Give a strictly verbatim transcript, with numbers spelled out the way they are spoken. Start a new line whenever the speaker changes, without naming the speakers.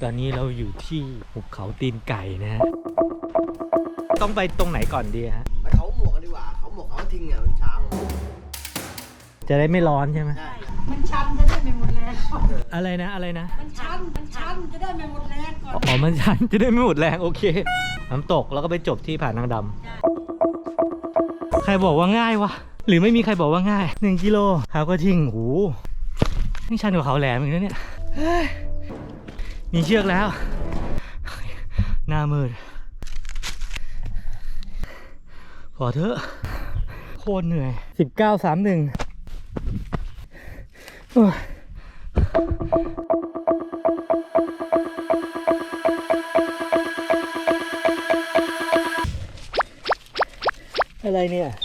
ตอนนี้เราอยู่ที่หุบเขาตีนไก่นะฮะต้องไปตรงไหนก่อนดีฮะ
ไปเขาหมวกกันดีกว่าเขาหมวกเขาทิ้งเนี่ยมันเช้า
จะได้ไม่ร้อนใช่ไหม
มันชันจะได้ไม่หมดแรง
อะไรนะอะไรนะ
มันชันมันชันจะได้ไม่หมดแรงก่อน
อ๋อมันชันจะได้ไม่หมดแรงโอเคน้ำตกแล้วก็ไปจบที่ผานางดำใครบอกว่าง่ายวะหรือไม่มีใครบอกว่าง่ายหนึ่งกิโลเขาก็ทิ้งโอ้โหนี่ชันกว่าเขาแหลมอีกนะเนี่ยมีเชือกแล้วหน้ามืดขอเถอะโคตรเหนื่อยสิบเก้าสามหนึ่งอะไรเนี่ย